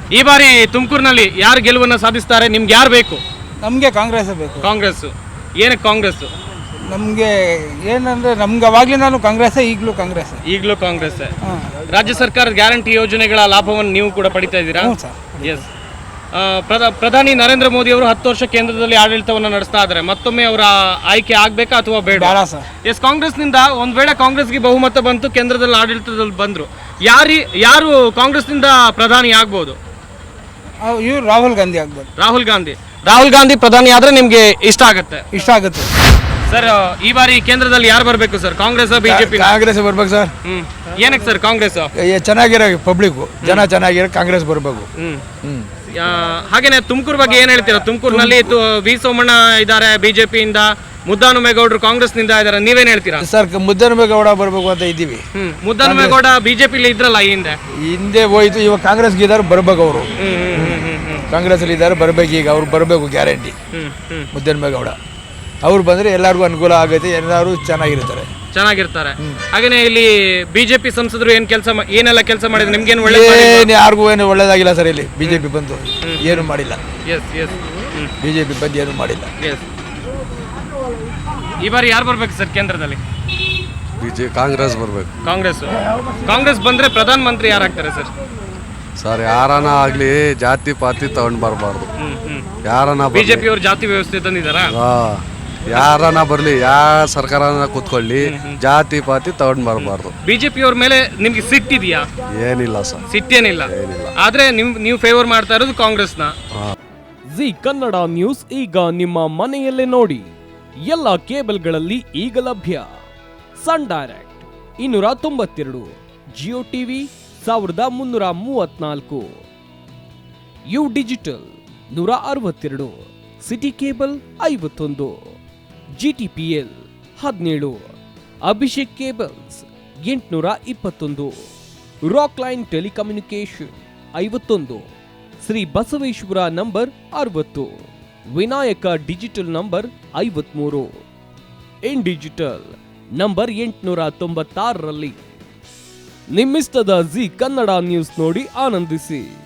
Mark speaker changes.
Speaker 1: ಈ ಬಾರಿ ತುಮಕೂರಿನಲ್ಲಿ ಯಾರು ಗೆಲುವನ್ನು ಸಾಧಿಸ್ತಾರೆ? ನಿಮ್ಗೆ ಯಾರು ಬೇಕು?
Speaker 2: ನಮಗೆ ಕಾಂಗ್ರೆಸ್ ಬೇಕು.
Speaker 1: ಕಾಂಗ್ರೆಸ್. ಏನಕ್ಕೆ ಕಾಂಗ್ರೆಸ್?
Speaker 2: ನಮಗೆ ಏನಂದ್ರೆ ನಮ್ಗೆ ಅವಾಗ್ಲಿಂದಾನು ಕಾಂಗ್ರೆಸ್, ಈಗಲೂ ಕಾಂಗ್ರೆಸ್.
Speaker 1: ಈಗಲೂ ಕಾಂಗ್ರೆಸ್. ರಾಜ್ಯ ಸರ್ಕಾರದ ಗ್ಯಾರಂಟಿ ಯೋಜನೆಗಳ ಲಾಭವನ್ನು ನೀವು ಕೂಡ ಪಡಿತಾ ಇದ್ದೀರಾ? ಎಸ್. ಪ್ರಧಾನಿ ನರೇಂದ್ರ ಮೋದಿ ಅವರು 10 ವರ್ಷ ಕೇಂದ್ರದಲ್ಲಿ ಆಡಳಿತವನ್ನು ನಡೆಸ್ತಾ ಇದ್ದಾರೆ. ಮತ್ತೊಮ್ಮೆ ಅವರ ಆಯ್ಕೆ ಆಗ್ಬೇಕಾ ಅಥವಾ ಬೇಡ? ಎಸ್. ಕಾಂಗ್ರೆಸ್ನಿಂದ ಒಂದ್ ವೇಳೆ ಕಾಂಗ್ರೆಸ್ಗೆ ಬಹುಮತ ಬಂತು, ಕೇಂದ್ರದಲ್ಲಿ ಆಡಳಿತದಲ್ಲಿ ಬಂದ್ರು, ಯಾರು ಕಾಂಗ್ರೆಸ್ನಿಂದ ಪ್ರಧಾನಿ ಆಗ್ಬೋದು?
Speaker 2: ಇವ್ರು ರಾಹುಲ್ ಗಾಂಧಿ ಆಗ್ಬೋದು.
Speaker 1: ರಾಹುಲ್ ಗಾಂಧಿ ಪ್ರಧಾನಿ ಆದ್ರೆ ನಿಮ್ಗೆ ಇಷ್ಟ ಆಗುತ್ತೆ ಸರ್. ಈ ಬಾರಿ ಕೇಂದ್ರದಲ್ಲಿ ಯಾರು ಬರಬೇಕು ಸರ್? ಕಾಂಗ್ರೆಸ್, ಬಿಜೆಪಿ?
Speaker 3: ಕಾಂಗ್ರೆಸ್ ಬರ್ಬೇಕು ಸರ್.
Speaker 1: ಏನಕ್ಕೆ ಸರ್ ಕಾಂಗ್ರೆಸ್?
Speaker 3: ಚೆನ್ನಾಗಿರೋ ಪಬ್ಲಿಕ್ ಜನ ಚೆನ್ನಾಗಿರೋ ಕಾಂಗ್ರೆಸ್ ಬರಬೇಕು.
Speaker 1: ಹಾಗೇನೆ ತುಮಕೂರು ಬಗ್ಗೆ ಏನ್ ಹೇಳ್ತೀರಾ? ತುಮಕೂರಿನಲ್ಲಿ ವಿ ಸೋಮಣ್ಣ ಇದ್ದಾರೆ ಬಿಜೆಪಿಯಿಂದ, ಮುದ್ದಾನುಮೇಗೌಡರು ಕಾಂಗ್ರೆಸ್ನಿಂದ ಇದ್ದಾರೆ, ನೀವೇನ್ ಹೇಳ್ತೀರಾ
Speaker 3: ಸರ್? ಮುದ್ದಾನುಮೇಗೌಡ ಬರ್ಬೇಕು ಅಂತ ಇದ್ದೀವಿ.
Speaker 1: ಮುದ್ದಾನುಮೇಗೌಡ ಬಿಜೆಪಿಲಿ ಇದ್ರಲ್ಲ ಹಿಂದೆ
Speaker 3: ಹೋಯ್ತು, ಇವಾಗ ಕಾಂಗ್ರೆಸ್ಗೆ ಇದ್ದಾರೆ, ಬರ್ಬೇಕು ಅವರು. ಕಾಂಗ್ರೆಸ್ ಅಲ್ಲಿ ಇದ್ದಾರೆ, ಬರ್ಬೇಕು. ಈಗ ಅವ್ರು ಬರಬೇಕು ಗ್ಯಾರಂಟಿ. ಮುದ್ದಾನುಮೇಗೌಡ ಅವ್ರು ಬಂದ್ರೆ ಎಲ್ಲರಿಗೂ ಅನುಕೂಲ ಆಗುತ್ತೆ, ಎಲ್ಲರೂ ಚೆನ್ನಾಗಿರ್ತಾರೆ.
Speaker 1: ಹಾಗೇನೆ ಇಲ್ಲಿ ಬಿಜೆಪಿ ಸಂಸದರು ಏನೆಲ್ಲ ಕೆಲಸ ಮಾಡಿದ್ರು? ನಿಮ್ಗೇನು
Speaker 3: ಯಾರಿಗೂ ಏನು ಒಳ್ಳೇದಾಗಿಲ್ಲ ಸರ್. ಇಲ್ಲಿ ಬಿಜೆಪಿ ಬಂದು ಏನು ಮಾಡಿಲ್ಲ. ಬಿಜೆಪಿ ಬಂದು ಏನು ಮಾಡಿಲ್ಲ.
Speaker 1: ಈ ಬಾರಿ ಯಾರು ಬರ್ಬೇಕು ಸರ್ ಕೇಂದ್ರದಲ್ಲಿ?
Speaker 3: ಕಾಂಗ್ರೆಸ್ ಬರ್ಬೇಕು.
Speaker 1: ಕಾಂಗ್ರೆಸ್ ಬಂದ್ರೆ ಪ್ರಧಾನ ಮಂತ್ರಿ ಯಾರಾಗ್ತಾರೆ ಸರ್?
Speaker 3: ಸರ್ ಯಾರನ ಆಗ್ಲಿ ಜಾತಿ ಪಾತಿ ತಗೊಂಡ್ ಬರಬಾರ್ದು.
Speaker 1: ಬಿಜೆಪಿ ಅವರು ಜಾತಿ ವ್ಯವಸ್ಥೆ ತಂದಿದಾರ?
Speaker 3: ಯಾರನ ಬರ್ಲಿ, ಯಾವ ಸರ್ಕಾರನ ಕೂತ್ಕೊಳ್ಳಿ, ಜಾತಿ ಪಾತಿ ತಗೊಂಡ್ ಬರಬಾರ್ದು.
Speaker 1: ಬಿಜೆಪಿ ಅವ್ರ ಮೇಲೆ ನಿಮ್ಗೆ ಸಿಟ್ಟಿದೆಯಾ?
Speaker 3: ಏನಿಲ್ಲ ಸರ್,
Speaker 1: ಸಿಟ್ಟೇನಿಲ್ಲ. ಆದ್ರೆ ನೀವು ಫೇವರ್ ಮಾಡ್ತಾ ಇರೋದು ಕಾಂಗ್ರೆಸ್ನ.
Speaker 4: ಜಿ ಕನ್ನಡ ನ್ಯೂಸ್ ಈಗ ನಿಮ್ಮ ಮನೆಯಲ್ಲೇ ನೋಡಿ. ಎಲ್ಲ ಕೇಬಲ್ಗಳಲ್ಲಿ ಈಗ ಲಭ್ಯ. Sun Direct 292, Jio TV 1334, U digital 162, city cable 51, GTPL 17, Abhishek cables 821, rock line telecommunication 51, Shri Basaveshwara number 60, Vinayaka digital number 53, in digital number 896ರಲ್ಲಿ. ನಿಮ್ಮಿಸ್ತದ ಜಿ ಕನ್ನಡ ನ್ಯೂಸ್ ನೋಡಿ ಆನಂದಿಸಿ.